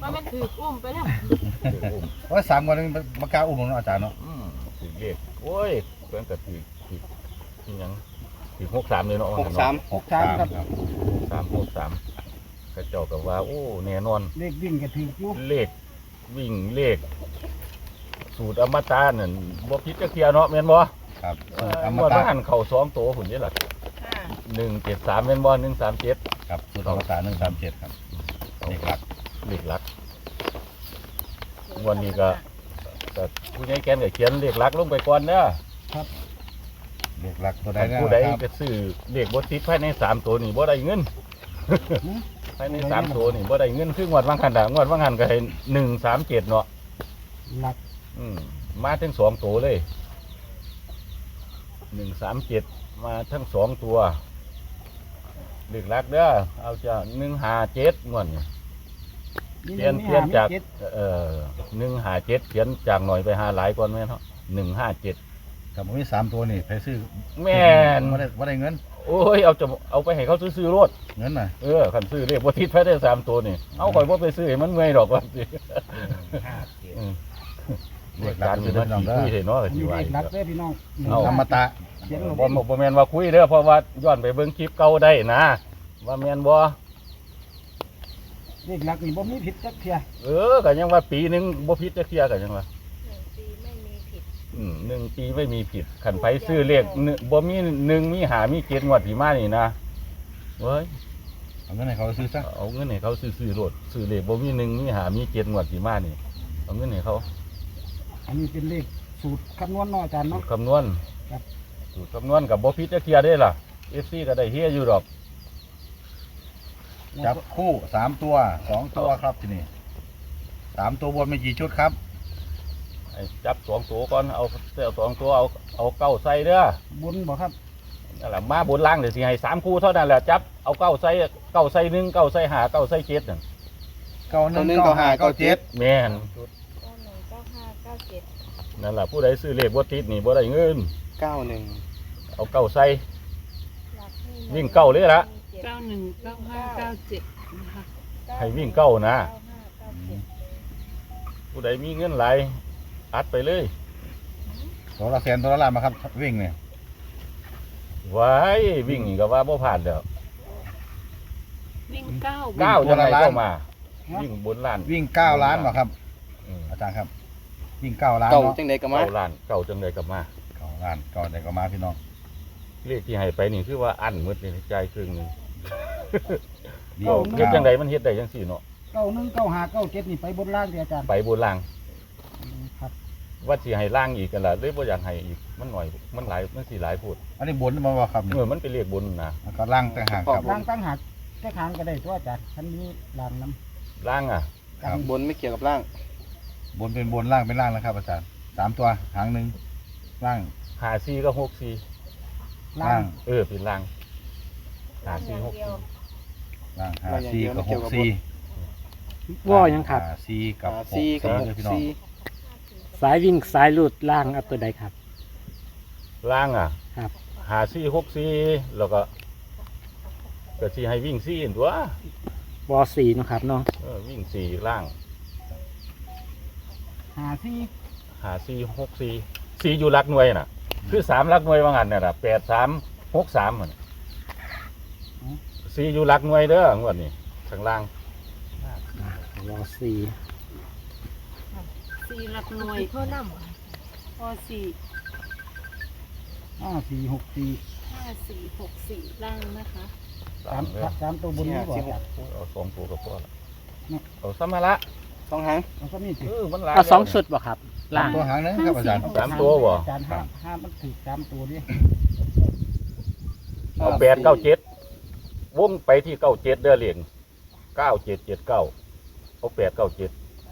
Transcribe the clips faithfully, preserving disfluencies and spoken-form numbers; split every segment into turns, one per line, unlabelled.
ว่ามันถืออุ้มไปแล้ว
ว่าสามวันนึงมากล้าอุ้มน้องอาจารย์เนาะ
อืมถือเลขโอ้ยเพิ่นก็ถือถือที่ยังถือหกสามเลยเนาะ
หกสาม
หกสามครับ
สามหกสามกระเจ้ากับว่าโอ้แน่นอน
เลขวิ่งก็ถืออยู่
เลขวิ่งเลข สูตรอมตะนั่นบ่ผิดจักเที่ยเนาะแม่นบ่
ครับ
เอ่อ
อม
งวด
ตะ
ว่าหันเข้าสองโตพุ่นนี่ล่ะ
ค่ะ
หนึ่งเจ็ดสามแม่นบ่หนึ่งสามเจ็ด
ครับสูตรอมตะหนึ่งสามเจ็ดครับเลขหลัก
เลขหลักงวดนี้ก็ก็ผู้ใหญ่แกนก็เขียนเลขหลักลงไปก่อนเด้อ
เลขหลักตัวใดนะ
ผู้ใด
ครับ
ก็ซื้อเลขบ่ติดภายในสามตัวนี่บ่ได้เงิน ภายในสามตัวนี่บ่ได้เงินคืองวดว่างหันน่ะงวดว่างหันก็ให้หนึ่งสามเจ็ดเนาะ
หลัก
อืมมาทั้งสองตัวเลยหนึ่งสามเจ็ดมาทั้งสองตัวเลือกลักเด้อเอาจะหนึ่งหาเจ็ดงวดนี่เปลี่ยนเปลี่ยนจากเอ่อหนึ่งหาเจ็ดเขียนจากหน่อยไปหาหลายก่อนไหมเนาะหนึ่งห้าเจ็ด
กับผมมีสามตัวนี่ไปซื้อ
แม่น
ไม่ได้ไม่ได้เงิน
โอ้ยเอาจะเอาไปให้เขาซื้อๆรถ
เงินน่ะ
เออขันซื้อเรียกว่าทิศไปได้สามตัวนี่เอาข่อยว่าไปซื้อให้มันเมื่อยดอกว่าสิอืมเรียกการคือมันขี้คุยเนาะ
อัน
สิ
นี้
ว่า
เลข
อีก
หลัก
ครับ
เด้อพี่น้อง
เอา
อมตะ
เขียนลง
บ่บ่บ่แม่นว่าคุยเด้อเพราะว่าย้อนไปเบิ่งคลิปเก่าได้นะ ว่าแม่นบ่
เลขหลักนี่บ่มีผิดจักเที่ย
เออก็ยังว่าปีหนึงบ่ผิดจักเที่ยก็ยังว่า
หนึ่งปีไม่มีผิด
อืมหนึ่งปีไม่มีผิดขันไผซื้อเลขหนึ่งบ่มีหนึ่งมีหามีเจ็ดงวดที่มานี่นะเว้ย
เอาเงินให้เขาซื้อซะ
เอาเงินให้เขาซื้อๆรถซื้อเลขบ่มีหนึ่งมีหามีเจ็ดงวดที่มานี่เอาเงินให้เขา
อันนี้เป็นเลขสูตรคำนวณเนาะอาจารย์
สู
เนาะ
ตรคำนวณ
ครับ
สูตรคำนวณกับบ่ผิดจักเที่ยได้ล่ะ เอฟ ซี ก็ได้เฮียอยู่ดอก
จับคู่สามตัวสองตัวครับที่นี่สามตัวบนมีกี่ชุดครับ
ไอ้จับสองตัวก่อนเอาเอาสองตัวเอาเอาเก้าใส่เด้อบ
นบ่ครับ
นั่นแหละมาบนล่างเดี๋ยวสิให้สามคู่เท่านั้นแหละจับเอาเก้าใส่เก้าใส่หนึ่งเก้าใส่หาเก้าใส่เจ็ดนั่น
เก้าหนึ่งเก้าห้าเก้าเจ็ด
แม่น
เก้าหนึ่งเก้าห้าเก้าเจ็ด
นั่นแหละผู้ใดซื้อเลขบ่ติดนี่บ่ได้เงิน
เก้าหนึ่ง
เอาเก้าใส่
หลักให้
วิ่งเก้าเลยล่ะ
เก้าหนึ่งเก้าห้าเก้าเจ็ดนะคะ
ให้วิ่งเก้านะ
เก้าห้าเก้าเจ็ด
ผู้ใดมีเงินหลายอัดไปเลย
ตัวละแสนตัวละล้านมาครับวิ่งเนี่ย
ไว้วิ่งนี่ก็ว่าบ่ผ่านแล้ว
วิ่งเก้า
เก้าจังไดก็มา วิ่งบนล้าน
วิ่งเก้าล้านมาครับ
อืม
อาจารย์ครับ วิ่งเก้าล้าน
เก่า
เนาะ
จังใดก็มา
เก้าล้านเก้าจังไดก็มา
เก้าล้านเก้าใดก็มาพี่น้อง
เลขที่ให้ไปนี่คือว่าอันหมดนี่ใจายครึ่งหนึง
เดีย
เอ้าว เฮ็ดจังไดมันเฮ็ดได้จังซี่เนาะ
เก้าหนึ่งเก้าห้าเก้าเจ็ดนี่ไปบนล่างที่อาจารย์
ไปบนล่าง
ครับ
ว่าสิให้ล่างอีกกันล่ะเลยบ่อยากให้อีกมันหน่อยมันหลายมันสิหลายพูด
อันนี้บนมาว่าครับนี่
เออมันเป็นเลขบนนะ
แล้วก็ล่างต่างหากครับ
ล่างตั้งหักแค่ทางก็ได้ตัวอาจารย์ทันนี้ล่างน้
ล่างอ่ะ
ำ
ครับ
บนไม่เกี่ยวกับล่าง
บนเป็นบนล่างเป็นล่างนะครับอาจารย์สามตัวหางหนึ่งล่าง
หาสี่ก็หกสี่
ล่า
ล่าง ง
เออเป็นล่างหาสี่หกสี่
ล่างหาซีกับหกซี
ว่ายังครับ
หาซีกับ
หา
หก
ซี
ซี
กับห
เลย
ก
พี่น้อง
ซี
สายวิ่งสายหลุดล่างเอาตัวใดครับ
ล่างอ่ะ
ครับ
หาสี่หกสี่แล้วก็ก็สิให้วิ่งสี่ตัว
วอสี่นาะครับเนาะ
เออวิ่งสี่ล่าง
หาที่
หาสี่หกสี่สี่อยู่หลักหน่วยน่ะ คือสามหลักหน่วยว่างั้นน่ะล่ะแปดสามหกสามมันสี่อยู่หลักหน่วยเด้องวดนี้ข้างล่าง
วอสี่
สี่หลักหน่วยเพิ่มน้ำพอสี่
ห้าสี่หกสี่
ห้าสี่หกสี่ล่างนะคะ
สาม
เด้อ
สามตัวบนนี้บ่อาจารย์
เอาสองตัวกับพ่อละ
นี่
เอาสัมภาระ
สองหาง
มันก็มีสิ
เออมันหลาย
เอาสอง
แล้ว
ชุดบ่ครับ ล่าง
ตัวหางหนึงครับอาจารย์
สามตัวบ่
อาจารย์ห้าห้ามันถือสามตัวดิ
เอาแปดเก้าเจ็ดวงไปที่เก้าเจ็ดเด้อเหรียญเก้าเจ็ดเจ็ดเก้าเอาแปดเก้าเจ็ด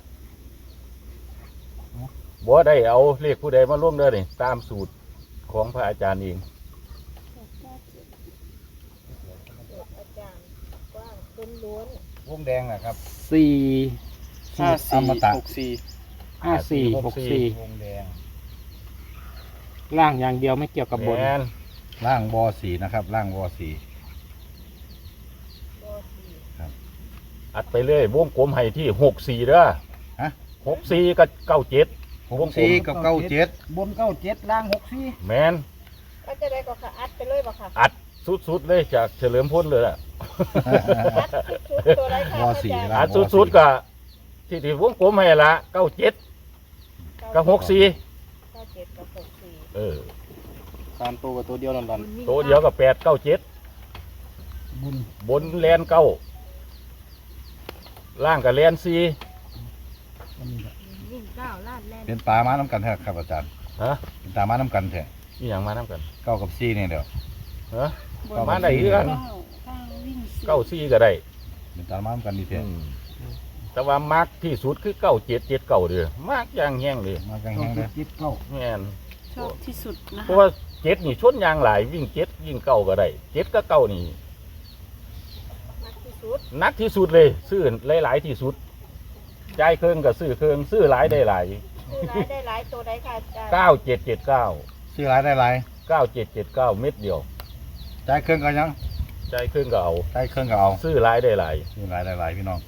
บ่ได้เอาเลขผู้ใดมาร่วมเด้อนี่ตามสูตรของพระอาจารย์เอง
อาจารย์กว้างล้วน
วงแดงนะครับ
สี่
ห้า
อ
สี่
มตะ
หกสี่
ห้าสี่หกสี่
วงแดง
ล่างอย่างเดียวไม่เกี่ยวกับบน
แม่น
ล่างวอสีนะครับล่างวอสี
ๆตัวสี่
อัดไปเลยวงกลมให้ที่หกสี่เด้อ
ฮะ
หกสี่กับเก้าเจ็ด
หกสี่กับเก้าเจ็ด
บนเก้าเจ็ดล่างหกสี่
แมน
ก็จะได้ก็ค่ะอัดไปเลยบ่ค่ะ
อัดสุดๆเลยจากเฉลิมพลเลยล่ะ
อัดสุดๆตัวไรค่ะ
วอสี่
อาจารย์
ละ
อัดสุดๆกับที่ที่วงกลมให้ละเก้าเจ็ดกับหกสี่
เก้าเจ็ดกับหกสี่
เออ
สามตัวกับตัวเดียวดัน
ตัวเดียวกับแปดเก้าเจ็ด
บุญ
บนแลนเก้าล่างกับแลนสี่
อันนี้แหละ
วิ่งเก้าลาดแล่น
เป็นตามาน้ำกันแท้ครับอาจารย์
ฮะ
เป็นตามาน้ำกันแท้
นี่อย่างมาน้ำกัน
เก้ากับสี่นี่เดี๋ยว
ฮะ
เก้า
มา
กับ
ได้
สี่
คือกัน
เก้าเก้าวิ่งสี่
เก้าสี่ก็ได้
เป็นตามาน้ำกันดีแท้
อืมแต่ว่ามักที่สุดคือเก้าเจ็ดเจ็ดเก้าเด้อมักอย่างแห้งเลย
มากัน
เก้า
แห้งเล
เจ็ด
ย
เจ็ดเก้า
แม่น
ชอบที่สุดนะ
เพราะว่าเจ็ดนี่ชนยางหลายวิ่งเจ็ดวิ่งเก้าก็ได้เจ็ดกับเก้านี่
มากที่สุด
นักที่สุดเลยซื้อหลายๆที่สุดจ่ายเครื่องกับซื้อเครื่องซื้อหลายได้หลาย
คือรายได้หลายตัวได้ค่ะอาจารย์
เก้าเจ็ดเจ็ดเก้า
ซื้อหลายได้หลาย
เก้าเจ็ดเจ็ดเก้าเม็ดเดียว
จ่ายเครื่องก็ยัง
จ่ายเครื่องก็เอา
จ่ายเครื่องก็เอา
ซื้อหลายได้หลาย
ซื้อหลายได้หลายพี่น้อง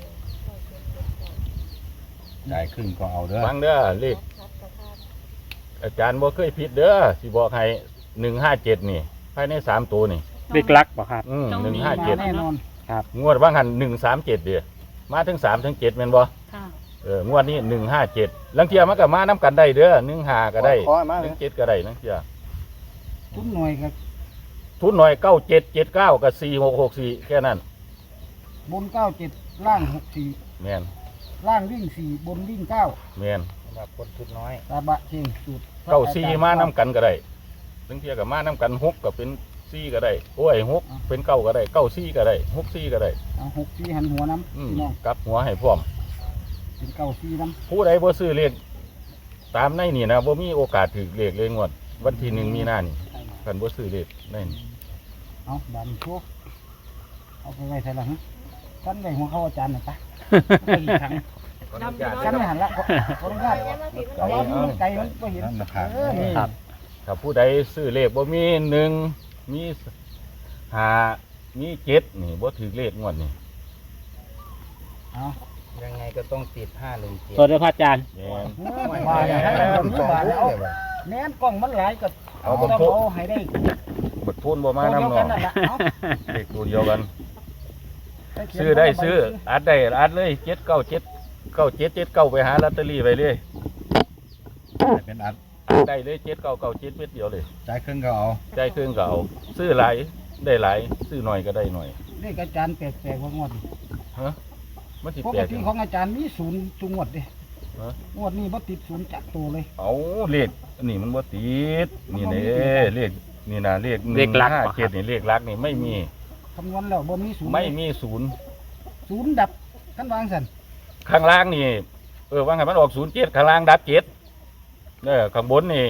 จ่ายครึ่งก็เอาเด้อ
ฟังเด้อเลข
คัดกระทาน
อาจารย์บ่เคยผิดเด้อสิบอกให้หนึ่งห้าเจ็ดนี่ภายในสามตัวนี่
เด็กรักบ่ครับ
อืม
ตรง
หนึ่ง
นี้
ห้า
มา
เจ็ด
แน่นอน
งวดว่างหันหนึ่งสามเจ็ดเดียมาถึงสามถึงเจ็ดแม่นบ่
ค่ะ
เอองวดนี้หนึ่งห้าเจ็ดลังเทียมันก็มาน้ำกันได้เด้อหนึ่งห้าก็ได้
ขอมา
ห
เล
นึ่
ย
งเจ็ดก็ได้ลังเทีย
ทุนหน่วยกับ
ทุนหน่อยเก้าเจ็ดเจ็ดเก้ากับสี่หกหกสี่แค่นั้น
บนเก้าเจ็ดล่างหกสี่
แม่น
ล่างวิ่งสี่บนวิ่งเก้า
แม่น
สำหรับคนทุนน้อย
ตาบะเชียงสูตร
เก้าสี่มาน้ำกันก็ได้ลังเทียกับมาน้ำกันหกก็เป็นสี่ก็ได้โอ้ยหกเป็นเก้าก็ได้เก้าสี่ก็ได้หกสี่ก็ได้
เอาหกสี่หันหัวน้ำ
อืม
พี่น้อง
กลับหัวให้พร้อม
เป็นเก้าสี่น้
ผู้ใดบ่ซื้อเลขตามในนี่นะบ่มีโอกาสถือเลขเลยงวดวันที่หนึ่งมีนานี่กันบ่ซื้อเลขในนี่
ำเอาดันโชว์เอาไปไว้ใส่ละฮะกันไว้หัวเข้าอาจารย์หน่อยปะไปอีกครั้ง
ดำไป
กันไม่
เนาะ
หันละขอขออนุญาต
ยังมาผิด
เอาว่ามันไกลมันก็เห็น
นั่นนะครับ
เออนี่
ครับ
ถ้าผู้ใดซื้อเลขบ่มีหนึ่งมีห้ามีเจ็ดนี่บ่ถือเลขงวดนี่
เอา
ยังไงก็ต้องติดห้าหนึ่งเจ็ด
ตัวเดียวพระอาจารย์
แม่น
มาอย่างนั้นเอาหนึ่งบาทเอาแม้นกล้องมันหลายก็
เอา
ต้
บ่
อง
โทษ
เอาให้ได้
บัดทุนบ่มา
ตัวเดียว
นำ
กัน
เนาะ
นั่นแหละเอา
เลขตัวเดียวกัน
ปเขียน
ซื้อได้
ใบ
ซื้ออัดได้อัดเลยเจ็ดเก้าเจ็ดเก้าเจ็ดเจ็ดเก้าไปหาลอตเตอรี่ไปเลย
เป็นอัด
อัดได้เลยเจ็ดเก้าเก้าเจ็ดเม็ดเดียวเลย
จ่ายครึ่งก็เอา
ใจายเครื่องก็เอาซื้อหลายได้หลายซื้อหน่อยก็ได้หน่อย
เลขอาจารย์แปลกๆว่างวดนี้
ฮะมันสิ
ป
แปล
ก
ก
ติ
จัง
ของอาจารย์มีศูนย์ทุกงวดเด้
ฮะ
งวดนี้บ่ติดศูนย์จักตัวเลย
เอาเลขอันนี้มันบ่ติดนี่เด้เลขนี่นะเลข
เลขหลัก
ห้า
เหรอครับ
เจ็ดนี่เลขหลักนี่ไม่มี
คำนวณแล้วบ่มีศูนย์
ไม่มีศูนย์
ศูนย์ดับท่านวางสัน
ข้างล่างนี่เออว่าไงมันออกศูนย์เจ็ดข้างล่างดับเจ็ดเด้อข้างบนนี่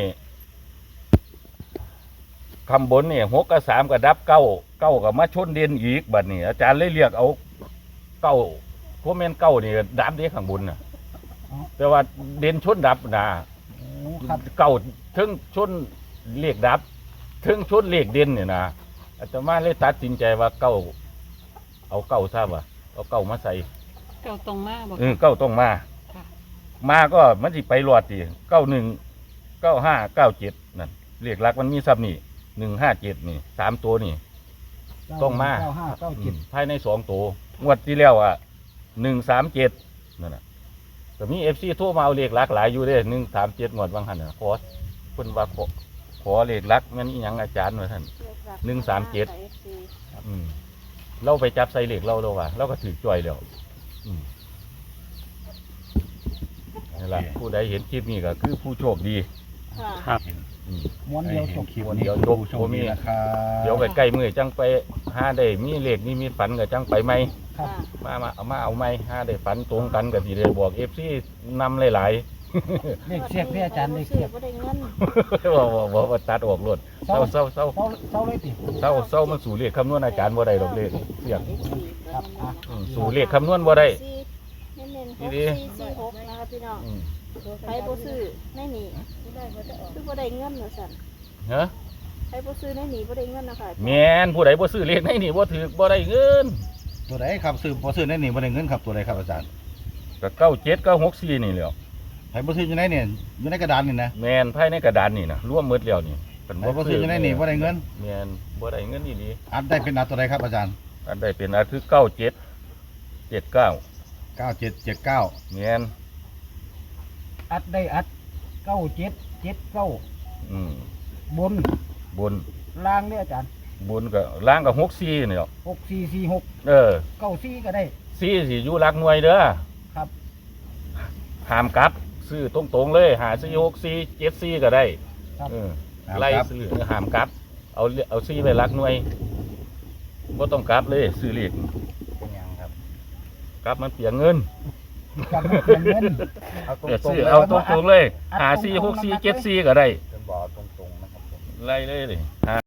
ข้างบนนี่หกกับสามกับดับเก้าเก้ากับมาชนเด่นอีกบัดนี้อาจารย์เลยเรียกเอาเก้าพวกแม่นเก้านี่ดับเด้ข้างบนน่ะแต่ว่าเด่นชนดับนะ
โอ้ครับ
เก้าถึงชนเลขดับถึงชนเลขเด่นเนี่ยนะอาตมาเลยตัดสินใจว่าเก้าเอาเก้าทราบว่าเอาเก้ามาใส่
เก่าตรงมากบอก
เออเก้าต้องมา
ค่ะ
มาก็มันสิไปรอดดิเก้าหนึ่งเก้าห้าเก้าเจ็ดนั่นเลขหลักมันมีซับนี่หนึ่งห้าเจ็ดนี่สามตัวนี่ ต้องมา
เก้าห้าเก้าเจ็ด
ภายในสองตัวงวดที่แล้วอ่ะหนึ่งสามเจ็ดนั่นน่ะแต่มีเอฟซีโทรมาเอาเลขหลักหลายอยู่เด้หนึ่งสามเจ็ดงวดบางหันน่ะขอเพิ่นว่าขอขอเลขหลักแม่นอีหยังอาจารย์ว่าท่าน หนึ่งสามเจ็ด อืมเราไปจับใส่เหล็กเราเราว่าเราก็ถือจ่อยแล้วอืมนี่แหละผู้ใดเห็นคลิปนี้ก็คือผู้โชคดี
ค่ะ
ครับ
อืม
ม้วนเดียวจบ
คลิป
วัน
นี้
เดียวจบ
ผู้โชคดีนะครับ
เดี๋ยวใกล้ๆมือจังไปหาได้มีเหล็กนี่มีฝันก็จังไปไหม
ครับ
ค่ะ
มามาเอามาเอาไหมหาได้ฝันตรงกันกับที่ได้บอกเอฟซีนำหลาย
เลขเสียกที่อาจารย์เลขเสียก
บ่ได้เงิน
ๆ ว่าว่าว่าว่าตัดออกรวดเศร้าเศร้าเศร้า
เศร้าเศร้าเลยติ
เศร้าเศร้ามันสู่เลขคำนวณอาจารย์บ่ได้ดอกเลขเสียง
ครับอ่ะ
อืมสู่เลขคำนวณบ่ได้
เน้นๆห
นี่
ก
ดิ
สี่สี่หกนะคะพี่น้อง
อืม
ใครบ่ซื้อในนี่คือบ่ได้เงินว่าซั่น
ฮะ
ใครบ่ซื้อในนี่บ่ได้เงินนะคะ
แม่นผู้ใดบ่ซื้อเลขในนี่บ่ถือบ่ได้เงิน
ตัวไหนครับซื้อพอซื้อในนี่บ่ได้เงินครับตัวไหนครับอาจารย์
ก็เก้าเจ็ดเก้าหกสี่นี่แหล้ว
ไผบ่ซื้ออยู่ในนี่อยู่ในกระดานนี่นะ
แมนภายในกระดานนี่นะร่วมหมืดแล้วนี่เป็น
ไผบ่ซื้ออยู่ในนี่บ่ได้เงิน
แมนบ่ได้เงินนี่ดี
อัดได้เป็นอัดตัวไหนครับอาจารย์
อันใดเป็นอันคือเก้าเจ็ดเจ็ดเก้า
เก้าเจ็ดเจ็ดเก้า
แมน
อัดได้อัดเก้าเจ็ดเจ็ดเก้า
อืม
บน
บน
ล่างเนี่ยอาจารย์
บนก็ล่างกับหกสี่นี่แหล้ว
หกสี่สี่หก
เออ
เก้าสี่ก็ได้
สี่สิอยู่หลักหน่วยเด้อ
ครับ
ห้ามกลับซื้อตรงๆเลยหาสี่หกสี่เจ็ดสี่ก็ได้
ครับ
เออไล่ซื้อห้ามกลับ เอาเอาสี่ไปหลักหน่วยบ่ต้องกลับเลยซื้อเลข
เป็นหยังครับ
กลับมันเปลียงเงิน
กับเงินเงิน
เอาตร
เออง
ๆ
ซื้อ
เลย
เอาตรงๆเลยหาสี่หกสี่เจ็ดสี่ก็ได้
เป็นบ่อตรงๆนะครับผม
ไล่เลยเลยหา